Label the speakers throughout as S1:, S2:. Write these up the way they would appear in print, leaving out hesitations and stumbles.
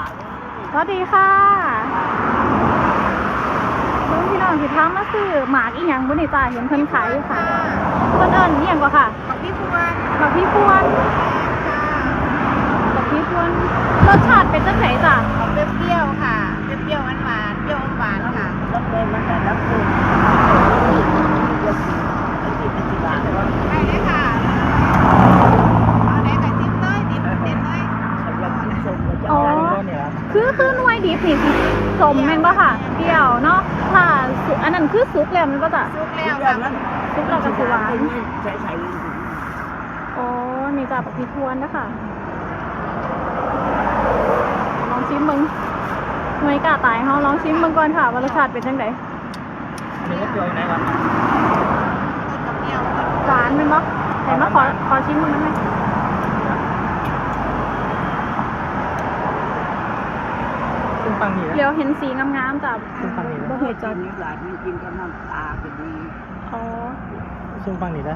S1: สวัสดีค่ะลุงพี่น้องที่ทำมาซื้อหมากอีหยังบุญจ้าเห็นเพิ่นขายอยู่ค่ะเพิ่นเอิ้นอีหยังกว่าค่ะ
S2: ผักพี่พวน
S1: หมากพี่พวนหมากพี่พวนรสชาติเป็นจังไดจ้ะ
S2: ของเปรี้ยวๆค่ะเปรี้ยวๆหวานๆเปรี้ยวหวานค่ะ
S3: รับเลยมันแต่รับเลย
S2: ไปเลยค่ะเอาไหนไก่จิ้มเลยดิบเด็ดเลย
S1: อ๋อคือหน่วยดิบนี่สิสมแม่นบ่ค่ะเปรี้ยวเนาะถ้าสุกอันนั้นคือสุกแล้วมันก็จะ
S2: ซุกแล้วค่ะ
S1: สุกแล้วก็สิหวาน
S3: ใส่
S1: อ๋อนี่จ้ะหมากพี่พวนนะคะลองชิมมึงไม่กล้าตายเฮาลองชิมมึงก่อนค่ะว่ารสชาติเป็นจังได
S3: นี่ก็เจอไหนก่อน
S2: กับเปรี้ยว
S1: หวานเป็นบ่แต่มาขอชิมมึงได้ไหม
S3: ซึ่งปังนี่
S1: เดี๋ยวเห็นสีงามๆจ้ะ
S3: ซึ่งปังนี่
S1: บ่
S3: นะ
S1: เห็นจ้ะ
S3: นี่หลานมันกินกับน้ำตาก็ดี
S1: อ๋อ
S3: ซึ่งปังนี่นะ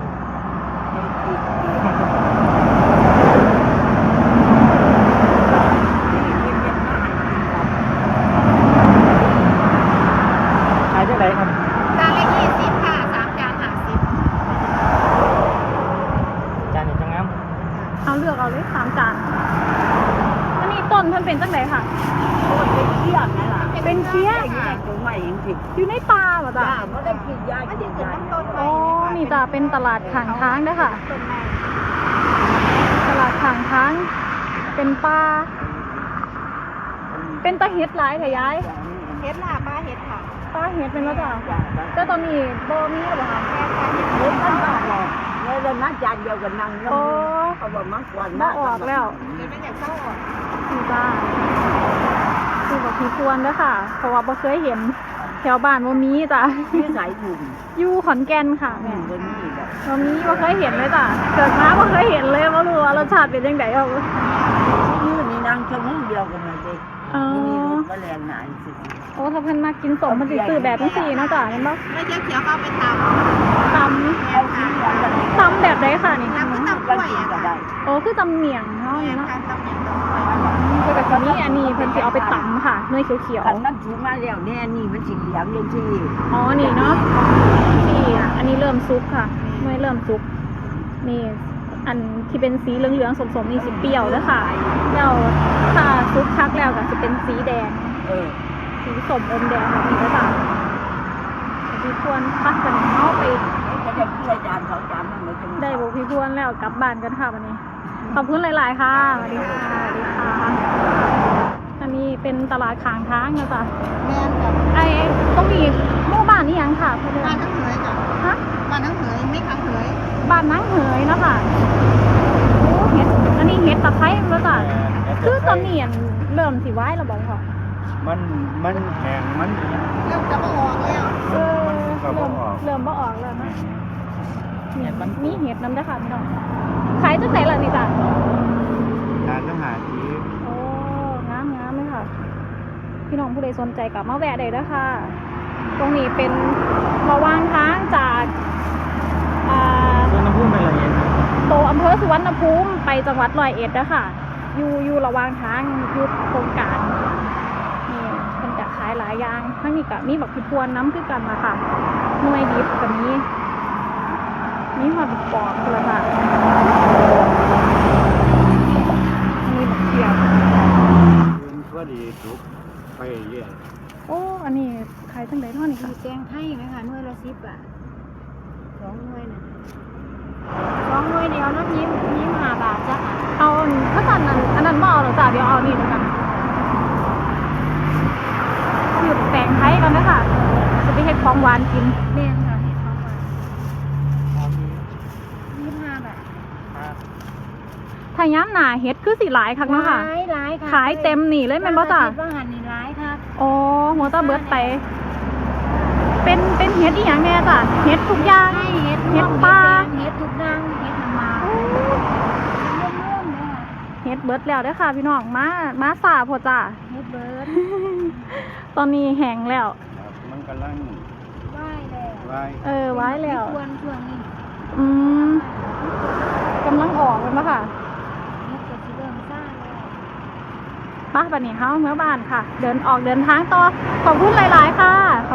S3: ขายได้ไหนครับ
S2: จานละ20ค่ะ3 จาน50
S3: จานนี้จังงั้ม
S1: เอาเลือกเอาเลย3 จานอันนี้ต้นเพิ่นเป็นจังไดค่ะ
S3: เป็นเชี่ยไงล่ะ
S1: เป็นเคี้ย
S3: อยู่ในตัวใหม่จริง
S1: อยู่ในป่าบ่จ้ะ
S3: ๆไม่ได้กินยา
S2: มัน
S3: กิ
S2: จะ
S3: น
S2: ขึ้น
S3: ยา
S2: ต้นไม้
S1: อ๋อนี่จ้ะเป็นตลาดข้างทางเด้อค่ะ
S2: ต้นไม้
S1: ตลาดข้างทางเป็นป่าเป็นตะเฮ็ดหลายแท้ยาย
S2: เฮ็ดล่ะป้าเฮ็ดค่ะ
S1: ป้าเฮ็ดเป็นแล้วจ้ะแต่ตอนนี้บ่มีแล้วบ่คะ
S2: แม่ค่ะเฮ็ด
S3: เห็น
S2: เฮ็
S3: ท่าน
S2: ด
S3: บอกเลยเลยนะจานเดียวกันนั่งแล้วเขาบอกมันกวน
S1: บ่ออกแล้ว
S2: มันอยากเข้าออก
S1: นี่จ้าคือบอกพี่ควรเด้อค่ะ เพราะว่าบ่เคยเห็นแถวบ้านบ่มีจ้ะ
S3: ที่สายถุง
S1: อยู่ขอนแก่นค่ะ
S3: แม่
S1: แม่
S3: บนนี่แบบ
S1: บ่มีบ่เคยเห็นเลยจ้ะเกิดมาบ่เคยเห็นเลยบ่รู้ว่ารสชาติเป็นจังไดเอา
S3: ยืนนี่นั่งชั่วโมงเดียวกันเลยเด็ก
S1: อ๋อ
S3: มีรถมาแรงนานสิ
S1: โอ้ถ้าเพิ่นมากินสมมันสิซื้อแบบจังซี่เนาะจ้ะเห็นบ่
S2: ไม่เขียวๆเข้าไปตำ
S1: ต
S3: เอาที่เดียวกัน
S1: ำตำแบบใดค่ะนี่
S2: น้ำก็ตำก
S3: กั
S2: ล้
S3: น
S2: วย
S3: กิน
S2: อะ
S3: ก็
S2: ค่ะ
S3: ได้
S1: โอ้คือตำเมียงเนาะ
S2: แม่
S1: เนาะ
S2: ค่ะตำอย่างตำกล้วย
S1: คือแบบนี้อันนี้เพิ่นสิเอาไปตำค่ะเนยเขียว
S3: ขันนั้นถูมาแล้วแน่นี่มันสีเหลืองยังที่
S1: ๆอ๋อนี่เนาะนี่อันนี้เริ่มสุกค่ะเนยเริ่มสุกนี่อันที่เป็นสีเหลืองๆสมๆนี่สิเปรี้ยวเด้อค่ะแล้วถ้าสุกคักแล้วก็สิเป็นสีแดง สีสมอมแดงแบบนี้เด้อจ้ะพี่ควรพักกันเอาไป
S3: ก็จะพูดจาน2 จานมันเหมือนกัน
S1: ได้บุกพี่พวนแล้วกลับบ้านกันค่ะวันนี้ ขอบคุณหลาย ๆ ค่ะสวัสดีค่ะสวัสดีค่ะ อันนี้เป็นตลาดขางทางนะจ๊ะ
S2: แม่กับ
S1: ไอ้ต้องมีหมู่บ้านนี่ยังค่ะเพื่อน
S2: บ้านทั้งเหยจ้ะ
S1: ฮะ
S2: บ้านทั้งเหยไม่ขังเหย
S1: บ้านนั่งเหยเนาะค่ะโอ้เห็ดอันนี้เห็ดตะไคร้แล้วจ้ะคือตอนนี้อันเริ่มสิไว้แล้วบอกค่ะ
S3: มันแข็งมัน
S2: เริ่มจะมาออกแล้ว
S1: เออเริ่มบ่ออกแล้วนะเนี่ยมันมีเห็ดน้ำได้อค่ะพี่น้องขายตั้งแต่ละนี่จ้ะ
S3: การทหารที่
S1: โอ้งามเลยค่ะ พี่น้องผู้ใดสนใจกลับมาแวะได้เด้อค่ะ ตรงนี้เป็นระหว่างทางจาก
S3: ต้นน้ำพุ่งไปเลย
S1: โตวอำเภอสุวรรณภูมิไปจังหวัดร้อยเอ็ดเด้อค่ะ อยู่ระหว่างทางอยู่โครงการนี่เป็นจะขายหลายอย่างทั้งนี้กับมีบักพิพวนน้ำคือกันมาค่ะหน่วยดิบกับนี้มีหอดบักปอกเลยค่ะมีบักเขียบ
S3: ก็ดีทุกไปเรื่อย
S1: โอ้อันนี้ขายทั้งใดเท่านี้ค่ะ
S2: มีแกงไทยไหมคะหน่วยละ10 บาท2 หน่วยน่ะ2 หน่วยเดียวน้ำยิ้ม5 บาทจ้ะ
S1: เอาถ้าสั่นอันนั้นบ่เอาหรอจ้ะเดี๋ยวเอานี่แล้วกันหยุดแต่งไทยกันนะค่ะจะไปเฮ็ดของหวานกิน
S2: แม่ค่ะเห็ดของหวาน25 บาท
S1: ถ้าย้ำหนาเฮ็ดคือสิหลายคักเนาะค่ะ
S2: หลายค่ะ
S1: ขายเต็มนี่เลยแม่นบ่จ้ะ
S2: ว่าหันนี่หลายค่ะ
S1: อ๋อหัวตาเบิดไป เป็นเฮ็ดอีหยังแน่จ้ะเฮ็ดทุกอย่าง
S2: ให้เห็ด
S1: เห็ดปลา
S2: เห็ดทุกดังเห็ดน้ำมาเริ่มเลยค่ะ
S1: เฮ็ดเบิดแล้วเด้อค่ะพี่น้องมาสาพอจ้ะ
S2: เห็ดเบิร์ด
S1: ตอนนี้แห้งแล้ว
S3: มันกำลัง
S2: ไหว้แล้ว
S3: ไว้
S1: ไว้แล้ว
S2: ควรช่วงนี้
S1: อืมกำลังออกเลยปะค่ะ
S2: เห็ดก็สิเริ่มซ่าแล้ว
S1: ปะบัดนี้เฮาเมื่อบ้านค่ะ เดินทางต่อขอบคุณหลาย ๆ ค่ะ